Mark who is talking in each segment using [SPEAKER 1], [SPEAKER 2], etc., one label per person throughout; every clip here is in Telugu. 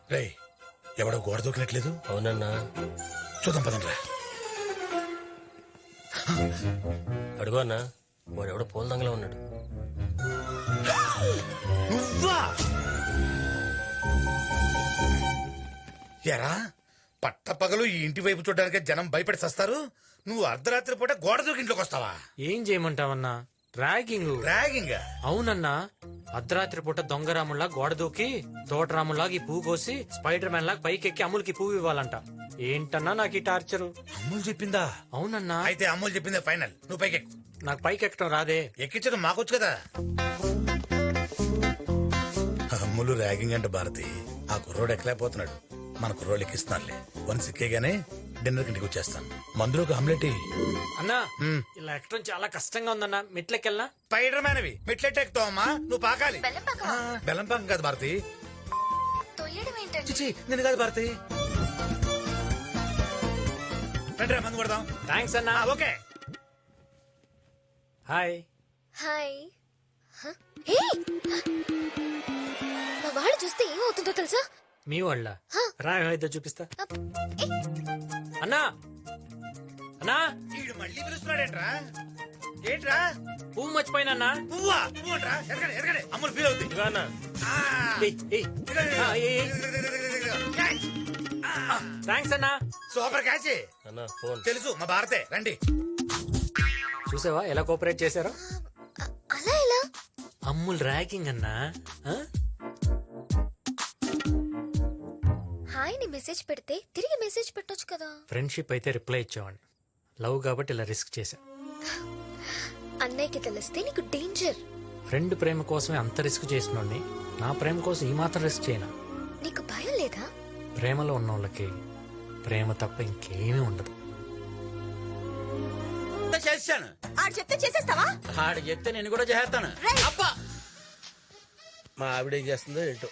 [SPEAKER 1] రే ఎవడో గోడ దూకినట్లేదు.
[SPEAKER 2] అవునన్నా.
[SPEAKER 1] చూద్దాం పదండ్రా.
[SPEAKER 2] అడుగు అన్నా, వాడెవడో పూల దంగలో ఉన్నాడు.
[SPEAKER 1] నువ్వా? ఎరా పట్టపగలు ఈ ఇంటి వైపు చూడడానికి జనం భయపడి సస్తారు. నువ్వు అర్ధరాత్రి పూట గోడ దూకి ఇంట్లోకి వస్తావా?
[SPEAKER 3] ఏం చేయమంటావన్నా, ర్యాగింగ్.
[SPEAKER 1] ర్యాగింగ్?
[SPEAKER 3] అవునన్నా, అర్ధరాత్రి పూట దొంగరాముల్లా గోడ దూకి తోటరాముల్లాగా ఈ పువ్వు కోసి స్పైడర్ మ్యాన్ లాగా పైకి ఎక్కి అమ్ములకి పువ్వు ఇవ్వాలంట. ఏంటన్నా నాకు ఈ టార్చరు.
[SPEAKER 1] అమ్ములు చెప్పిందా?
[SPEAKER 3] అవునన్నా.
[SPEAKER 1] అయితే అమ్ములు చెప్పిందే ఫైనల్. నువ్వు పైకి ఎక్కు.
[SPEAKER 3] నాకు పైకి ఎక్కడం రాదే.
[SPEAKER 1] ఎక్కించడం మాకొచ్చు కదా. అమ్ములు ర్యాగింగ్ అంటే భారతి. ఆ కుర్రోడు ఎక్కలేకపోతున్నాడు. మన కుర్రోడు ఎక్కిస్తున్నారులే. వన్స్ ఎక్కేగానే డిన్నర్ ఇంటికి వచ్చేస్తాను. మందులో ఒక ఆమ్లెట్.
[SPEAKER 3] అన్నా ఇలా ఎక్కడం చాలా కష్టంగా ఉందన్నా. మెట్లెక్కెళ్ళనా?
[SPEAKER 1] స్పైడర్ మ్యాన్ అవి మెట్లెట్ ఎక్కుతావమ్మా. నువ్వు పాకాలి. బెల్లం పాకం కాదు భారతి. చిచి నేను కాదు భారతి. రండిరా మందు కొడదాం.
[SPEAKER 3] థ్యాంక్స్ అన్నా.
[SPEAKER 1] ఓకే.
[SPEAKER 3] హాయ్.
[SPEAKER 4] హాయ్. మా వాడు చూస్తే ఏమవుతుందో తెలుసా?
[SPEAKER 3] మీ వాళ్ళ రాయ ఇద్దరు చూపిస్తా. అన్నా అన్నా,
[SPEAKER 1] వీడు మళ్ళీ పిలుస్తున్నాడేంట్రా? ఏంట్రా?
[SPEAKER 3] పువ్వు మర్చిపోయినా.
[SPEAKER 1] పువ్వా? పువ్వు అంట్రా? ఎరగడే ఎరగడే. అమ్ములు ఫీల్ అవుతుంది.
[SPEAKER 3] థ్యాంక్స్ అన్నా.
[SPEAKER 1] Super catch.
[SPEAKER 2] అన్నా ఫోన్.
[SPEAKER 1] తెలుసు మా భారతే. రండి.
[SPEAKER 3] చూసావా ఎలా కోఆపరేట్ చేశారో?
[SPEAKER 4] అలా ఎలా?
[SPEAKER 3] అమ్ముల్ ర్యాగింగ్ అన్నా.
[SPEAKER 4] హాయ్ ని మెసేజ్ పెడితే తిరిగి మెసేజ్ పెట్టొచ్చు కదా.
[SPEAKER 3] ఫ్రెండ్షిప్ అయితే రిప్లై ఇచ్చేవాడిని. లవ్ కాబట్టి ఇలా రిస్క్ చేశా.
[SPEAKER 4] అన్నయ్యకి తెలిస్తే నీకు డేంజర్.
[SPEAKER 3] ఫ్రెండ్ ప్రేమ కోసమే అంత రిస్క్ చేసినోడిని నా ప్రేమ కోసం ఈ మాత్రం రిస్క్ చేయనా?
[SPEAKER 4] నీకు భయం లేదా?
[SPEAKER 3] ప్రేమలో ఉన్న వాళ్ళకి ప్రేమ తప్ప ఇంకేమీ ఉండదు.
[SPEAKER 5] చేస్తాను.
[SPEAKER 6] ఆడు చెప్తే చేసేస్తావా?
[SPEAKER 5] ఆడు చెప్తే నేను కూడా చేస్తాను. అబ్బా
[SPEAKER 2] మా ఆవిడ ఏం చేస్తుందో ఏంటో.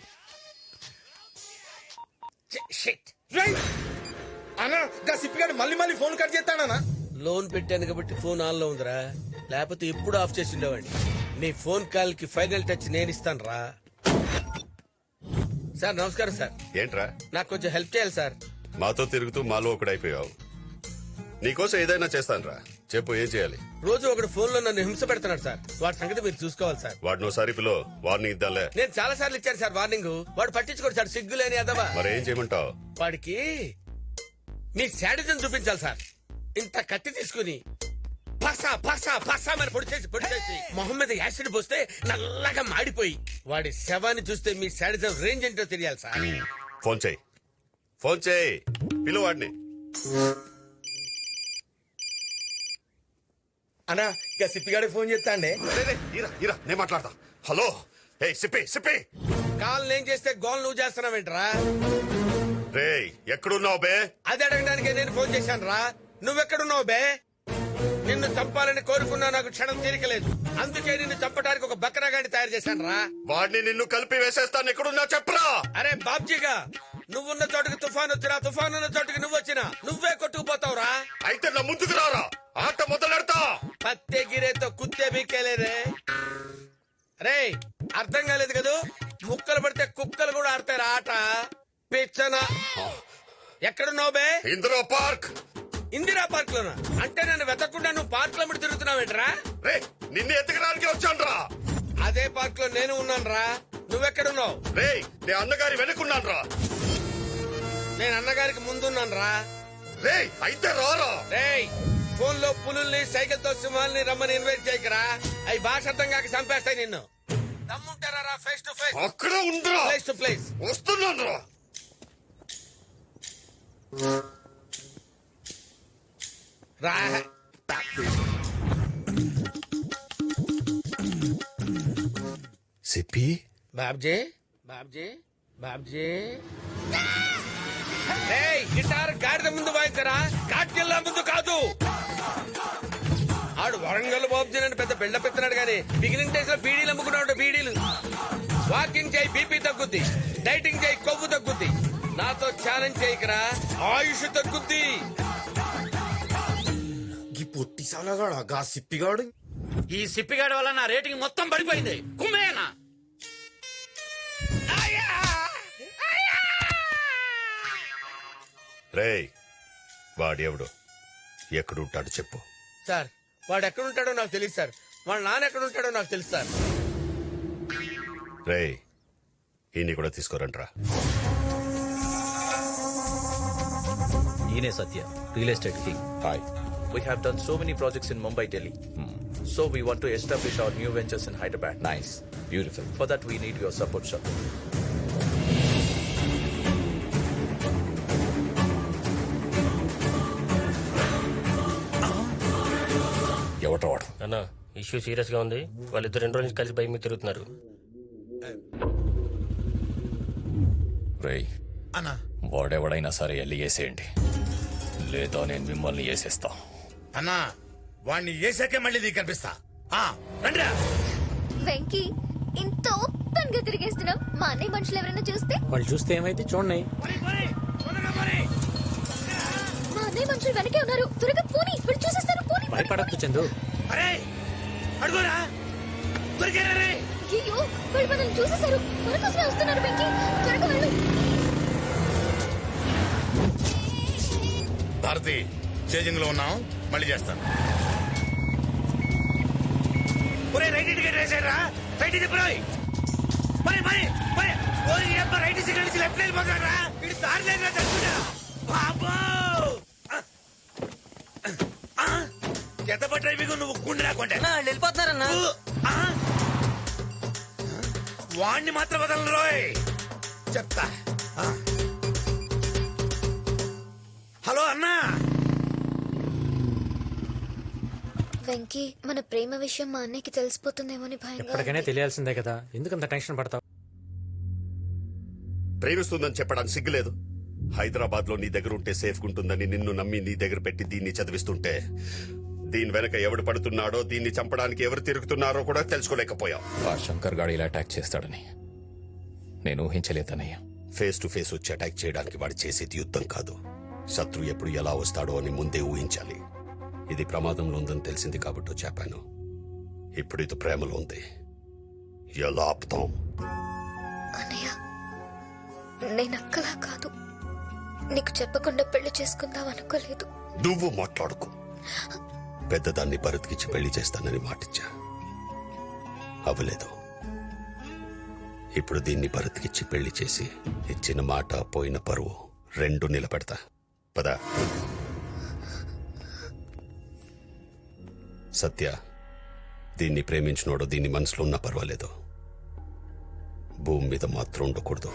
[SPEAKER 7] అన్నా గా సిప్పిగాడు మళ్ళీ మళ్ళీ ఫోన్ కట్ చేస్తాడనా?
[SPEAKER 2] లోన్ పెట్టాను కాబట్టి ఫోన్ ఆన్ లో ఉందిరా, లేకపోతే ఎప్పుడు ఆఫ్ చేసి ఉండేవాడిని. నీ ఫోన్ కాల్ కి ఫైనల్ టచ్ నేను ఇస్తాను రా. సార్ నమస్కారం సార్.
[SPEAKER 8] ఏంట్రా?
[SPEAKER 2] నాకు కొంచెం హెల్ప్ చేయాలి సార్.
[SPEAKER 8] మాతో తిరుగుతూ మాలో ఒకడైపోయావు. నీకోసం ఏదైనా చేస్తానురా. చెప్పు ఏం చేయాలి?
[SPEAKER 2] రోజు ఒకడు ఫోన్ లో నన్ను హింస పెడుతున్నాడు సార్. వాడి సంగతి మీరు చూసుకోవాలి సార్.
[SPEAKER 8] వాడిని ఒకసారి పిలో, వార్నింగ్ ఇద్దాంలే.
[SPEAKER 2] నేను చాలా సార్లు ఇచ్చాను సార్ వార్నింగ్. వాడు పట్టించుకోడు సార్, సిగ్గులేని అదవా.
[SPEAKER 8] మరి ఏం చేయమంటావు?
[SPEAKER 2] వాడికి మీ శాడిజం చూపించాలి సార్. ఇంత కత్తి తీసుకుని పసా పసా పసా మరి పొడిచేసి మొహం మీద యాసిడ్ పోస్తే నల్లగా మాడిపోయి వాడి శవాన్ని చూస్తే మీ శాడిజం రేంజ్ ఏంటో తెలియాలి సార్.
[SPEAKER 8] ఫోన్ చేయి, ఫోన్ చేయి, పిలు వాడిని.
[SPEAKER 7] అన్నా ఇక సిప్పిగాడి ఫోన్ చేస్తాండే.
[SPEAKER 8] నేను మాట్లాడతా. హలో ఏ సిప్పి సిప్పి.
[SPEAKER 2] కాల్ నేను చేస్తే గోల్ నువ్వు చేస్తున్నావేంట్రా?
[SPEAKER 8] రే ఎక్కడున్నావు బే?
[SPEAKER 2] అది అడగడానికి నేను ఫోన్ చేశాను రా. నువ్వెక్కడున్నావు బే? నిన్ను చంపాలని కోరుకున్నా నాకు క్షణం తీరికలేదు. అందుకే నిన్ను చంపడానికి ఒక బక్రాగాడిని తయారు చేశాను రా.
[SPEAKER 8] వాడిని నిన్ను కలిపి వేసేస్తాను. ఎక్కడున్నా చెప్పరా?
[SPEAKER 2] అరే బాబ్జీగా, నువ్వున్న చోటుకి తుఫాన్ వచ్చినా, తుఫాన్ ఉన్న చోటుకి నువ్వు వచ్చినా నువ్వే కొట్టుకుపోతావురా.
[SPEAKER 8] అయితే నా ముందుకు రారా, ఆట మొదలెడతా.
[SPEAKER 2] పత్తే గిరేతో కుత్తే బీకేలేరే. రే అర్థం కాలేదు కదూ? ముక్కలు పడితే కుక్కలు కూడా ఆడతారు ఆట. పిచ్చన ఎక్కడున్నావు బే?
[SPEAKER 8] ఇందిరా పార్క్.
[SPEAKER 2] ఇందిరా పార్క్ లోనా? అంటే నన్ను వెతకుండా నువ్వు పార్క్ లో తిరుగుతున్నావేంట్రా?
[SPEAKER 8] రే నిన్ను ఎత్తకడానికి వచ్చాను రా.
[SPEAKER 2] అదే పార్క్ లో నేను ఉన్నాను రా. నువ్వెక్కడున్నావు?
[SPEAKER 8] రే నే అన్నగారి వెనుకున్నాను రా.
[SPEAKER 2] నేను అన్నగారికి ముందున్నాను రా.
[SPEAKER 8] రే అయితే రారా.
[SPEAKER 2] రే ఫోన్ లో పులుల్ని సైకిల్ తో సింహాల్ని రమ్మని ఇన్వైట్ చేయకరా. అవి భాష అర్థం కాక చంపేస్తాయి నిన్ను. దమ్ముంటారా ఫేస్ టు ఫేస్?
[SPEAKER 8] అక్కడ ఉండరా.
[SPEAKER 2] ప్లేస్ టు ప్లేస్
[SPEAKER 8] వస్తున్నాను రా.
[SPEAKER 2] రా.
[SPEAKER 1] సిప్పి
[SPEAKER 2] బాబ్జీ బాబ్జీ బాబ్జీ. రేయ్ గిటార్ గాడిద ముందు వాయించరా, కాట్కెళ్ళ ముందు కాదు. ఆడు వరంగల్ బాబ్జీ అని పెద్ద బిల్డప్ ఇస్తున్నాడు గానీ బిగినింగ్ డేస్ లో బీడీలు అమ్ముకున్నాడు. బీడీలు. వాకింగ్ చేయి బీపీ తగ్గుద్ది, డైటింగ్ చేయి కొవ్వు తగ్గుద్ది. నాతో ఛాలెంజ్ చేయకరా, ఆయుష్ తగ్గుద్ది.
[SPEAKER 7] ఈ పొట్టి సాలగాడు గా సిప్పిగాడు.
[SPEAKER 5] ఈ సిప్పిగాడి వల్ల నా రేటింగ్ మొత్తం పడిపోయింది. కుమ్మేనా?
[SPEAKER 8] రేయ్ వాడెవడు ఎక్కడుంటాడు చెప్పు.
[SPEAKER 2] సార్ వాడు ఎక్కడ ఉంటాడో నాకు తెలియదు సార్. వాళ్ళ నాన్న ఎక్కడ ఉంటాడో నాకు తెలుసు సార్.
[SPEAKER 8] రేయ్ ఈయన్ని కూడా తీసుకోరంట్రా.
[SPEAKER 6] ఈయనే Satya, real estate king.
[SPEAKER 9] Hi. We have done so many projects in Mumbai, Delhi. So we want to establish our new ventures in Hyderabad.
[SPEAKER 6] Nice. Beautiful.
[SPEAKER 9] For that, we need your support, sir.
[SPEAKER 6] ఎవట వాడు?
[SPEAKER 10] అన్న ఇష్యూ సీరియస్ గా ఉంది. వాళ్ళిద్దరు 2 రోజుల నుంచి కలిసి బైక్ మీద తిరుగుతున్నారు.
[SPEAKER 6] రేయ్
[SPEAKER 1] అన్నా
[SPEAKER 6] వాడెవడైనా సరే వెళ్ళి వేసేయండి, లేదా నేను మిమ్మల్ని వేసేస్తా.
[SPEAKER 1] అన్నా వాణ్ణి వేసాకే మళ్ళీ నీకు కనిపిస్తా. రండిరా.
[SPEAKER 4] వెంకీ ఇంత ఓపెన్ గా తిరిగేస్తున్నాం. మా అన్నయ్య మనుషులు ఎవరైనా చూస్తే
[SPEAKER 3] వాళ్ళు చూస్తే ఏమైతే చూడండి.
[SPEAKER 4] మా అన్నయ్య మనుషులు వెనకే ఉన్నారు. త్వరగా పోనీ, వీళ్ళు చూసేస్తారు. పోనీ
[SPEAKER 3] భయపడద్దు చందు.
[SPEAKER 2] అడుగురా దొరికారా రే?
[SPEAKER 4] అయ్యో, వాళ్ళు మనల్ని చూసేశారు. మన కోసమే వస్తున్నారు. వెంకీ త్వరగా వెళ్ళు.
[SPEAKER 1] భారతి చేజింగ్ లో ఉన్నాం, మళ్ళీ చేస్తాను.
[SPEAKER 2] ఒరే రైట్ టికెట్ వేసారా? రైట్ తిప్పురాయి. మరి మరి మరి ఓరి అబ్బ రైట్ సిగ్నల్ నుంచి లెఫ్ట్ వెళ్ళిపోతారా? ఇది దారి లేదురా తట్టుడా. బాబో ఎంత డ్రైవింగ్ నువ్వు గుండె రాకుంటే
[SPEAKER 10] వెళ్ళిపోతున్నారన్నా.
[SPEAKER 2] వాణ్ణి మాత్రం వదలను రోయ్. చెప్తా. హలో అన్నా.
[SPEAKER 4] వెంకీ మన ప్రేమ విషయం మా అన్నయ్యకి తెలిసిపోతుందేమో అని భయంగా
[SPEAKER 3] ఎప్పటికైనా
[SPEAKER 4] ఉంది.
[SPEAKER 3] తెలియాల్సిందే కదా, ఎందుకంత టెన్షన్ పడతావు?
[SPEAKER 8] ప్రేమిస్తుందని చెప్పడానికి సిగ్గులేదు. హైదరాబాద్ లో నీ దగ్గర ఉంటే సేఫ్ ఉంటుందని నిన్ను నమ్మి నీ దగ్గర పెట్టి దీన్ని చదివిస్తుంటే దీని వెనక ఎవడు పడుతున్నాడో, దీన్ని చంపడానికి ఎవరు తిరుగుతున్నారో కూడా తెలుసుకోలేకపోయావు.
[SPEAKER 6] ఆ శంకర్ గాడు ఇలా అటాక్ చేస్తాడని నేను ఊహించలేదన్నయ్య.
[SPEAKER 8] ఫేస్ టు ఫేస్ వచ్చి అటాక్ చేయడానికి వాడు చేసేది యుద్ధం కాదు. శత్రు ఎప్పుడు ఎలా వస్తాడో అని ముందే ఊహించాలి. ఇది ప్రమాదంలో ఉందని తెలిసింది కాబట్టి చెప్పాను. ఇప్పుడు ఇది ప్రేమలో ఉంది. ఎలా ఆపుతాం?
[SPEAKER 4] అన్నయ్య నేను అక్కలా కాదు. నీకు చెప్పకుండా పెళ్లి చేసుకుందాం అనుకోలేదు.
[SPEAKER 8] నువ్వు మాట్లాడుకో. పెద్దదాన్ని భరత్కిచ్చి పెళ్లి చేస్తానని మాటిచ్చా, అవ్వలేదు. ఇప్పుడు దీన్ని భరత్కిచ్చి పెళ్లి చేసి ఇచ్చిన మాట పోయిన పరువు 2 నిలబెడతా. పదా. సత్య, దీన్ని ప్రేమించినోడు దీన్ని మనసులో ఉన్నా పర్వాలేదు, భూమి మీద మాత్రం ఉండకూడదు.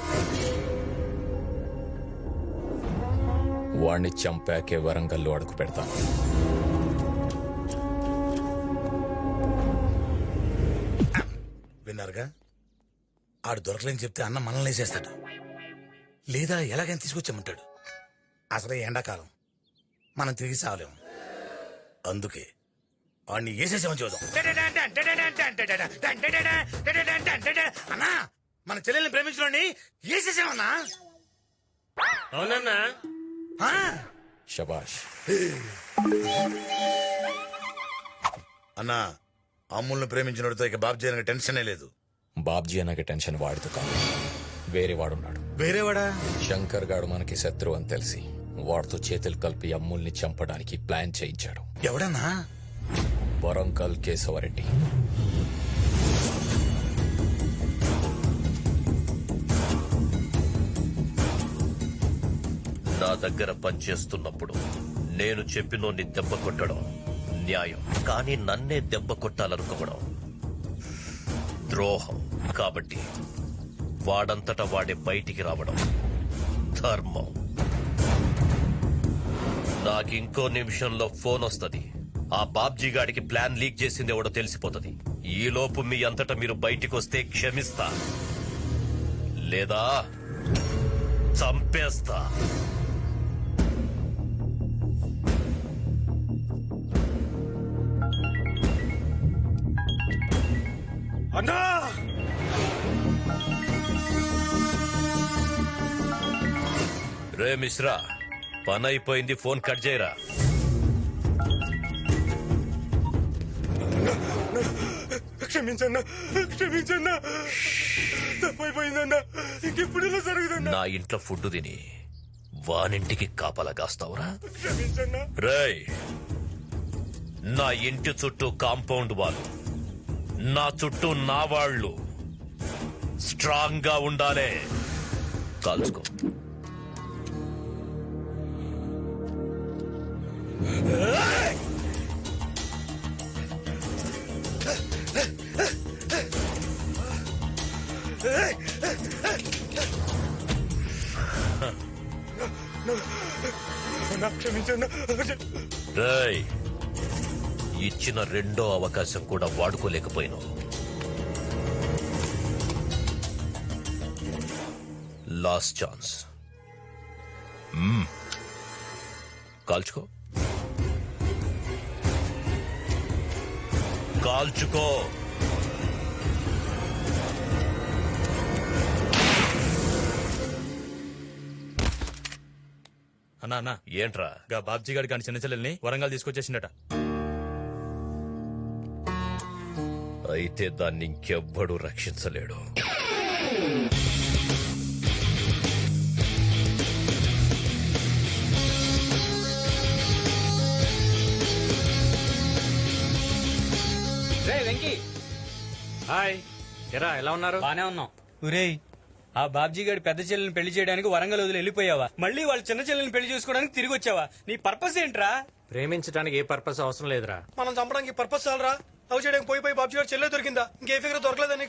[SPEAKER 6] వాణ్ణి చంపాకే వరంగల్లో అడుగు పెడతాను.
[SPEAKER 1] విన్నారుగా, ఆడు దొరకలేని చెప్తే అన్న మనల్ని వేసేస్తాడు, లేదా ఎలాగైనా తీసుకొచ్చామంటాడు. అసలే ఎండాకాలం, మనం తిరిగి సావలేము. అందుకే వాడిని వేసేసామని చూద్దాం. అన్నా మన చెల్లెల్ని ప్రేమించడాన్ని వేసేసామన్నా.
[SPEAKER 10] అవునన్నా.
[SPEAKER 6] శబాష్.
[SPEAKER 1] అన్నా అమ్ముల్ని ప్రేమించినోడితో ఇక బాబు చేయడానికి టెన్షనే లేదు.
[SPEAKER 6] బాబ్జీ అన్నకి టెన్షన్ వాడితో కాదు, వేరే వాడున్నాడు.
[SPEAKER 1] వేరేవాడా?
[SPEAKER 6] శంకర్ గాడు మనకి శత్రువు అని తెలిసి వాడితో చేతులు కలిపి అమ్ముల్ని చంపడానికి ప్లాన్ చేయించాడు.
[SPEAKER 1] ఎవడన్నా?
[SPEAKER 6] వరంగల్ కేశవరెడ్డి.
[SPEAKER 11] నా దగ్గర పనిచేస్తున్నప్పుడు నేను చెప్పినోన్ని దెబ్బ కొట్టడం న్యాయం, కానీ నన్నే దెబ్బ కొట్టాలనుకోవడం ద్రోహం. కాబట్టి వాడంతటా వాడే బయటికి రావడం ధర్మం. నాకింకో నిమిషంలో ఫోన్ వస్తది. ఆ బాబ్జీ గాడికి ప్లాన్ లీక్ చేసింది ఎవడో తెలిసిపోతుంది. ఈలోపు మీ అంతటా మీరు బయటికి వస్తే క్షమిస్తా, లేదా చంపేస్తా.
[SPEAKER 2] అన్నా
[SPEAKER 11] రే మిశ్రా, పని అయిపోయింది, ఫోన్ కట్ చేయరా.
[SPEAKER 7] క్షమించన్నా, క్షమించన్నా, తప్పైపోయిందన్నా. ఇంకెప్పుడు ఇలా జరుగుతుందా?
[SPEAKER 11] నా ఇంట్లో ఫుడ్ తిని వానింటికి కాపలా కాస్తావురా రేయ్ నా ఇంటి చుట్టూ కాంపౌండ్ వాళ్ళు నా చుట్టూ నా వాళ్ళు స్ట్రాంగ్ గా ఉండాలే కాల్చుకో రేయ్ ఇచ్చిన రెండో అవకాశం కూడా వాడుకోలేకపోయినావు లాస్ట్ ఛాన్స్ కాల్చుకో కాల్చుకో
[SPEAKER 9] అన్నా అన్నా
[SPEAKER 11] ఏంట్రా
[SPEAKER 9] గా బాబ్జీ గారి కానీ చిన్న చెల్లెల్ని వరంగల్ తీసుకొచ్చేసిండట.
[SPEAKER 11] అయితే దాన్ని ఇంకెవ్వడూ రక్షించలేడు
[SPEAKER 3] రే వెంకీ హాయ్ ఎరా ఎలా ఉన్నారు?
[SPEAKER 5] బానే ఉన్నాం. ఒరేయ్ ఆ బాబ్జీ గారి పెద్ద చెల్లెని పెళ్లి చేయడానికి వరంగల్ వదిలి వెళ్ళిపోయావా? మళ్ళీ వాళ్ళ చిన్న చెల్లెని పెళ్లి చేసుకోవడానికి తిరిగి వచ్చావా? నీ పర్పస్ ఏంట్రా?
[SPEAKER 3] ప్రేమించడానికి ఏ పర్పస్ అవసరం లేదురా.
[SPEAKER 7] మనం చంపడానికి పర్పస్ చాలరా? లవ్ చేయడానికి పోయి బాబు గారు చెల్లె దొరికిందా? ఇంకే ఫిగర్ దొరకలేదని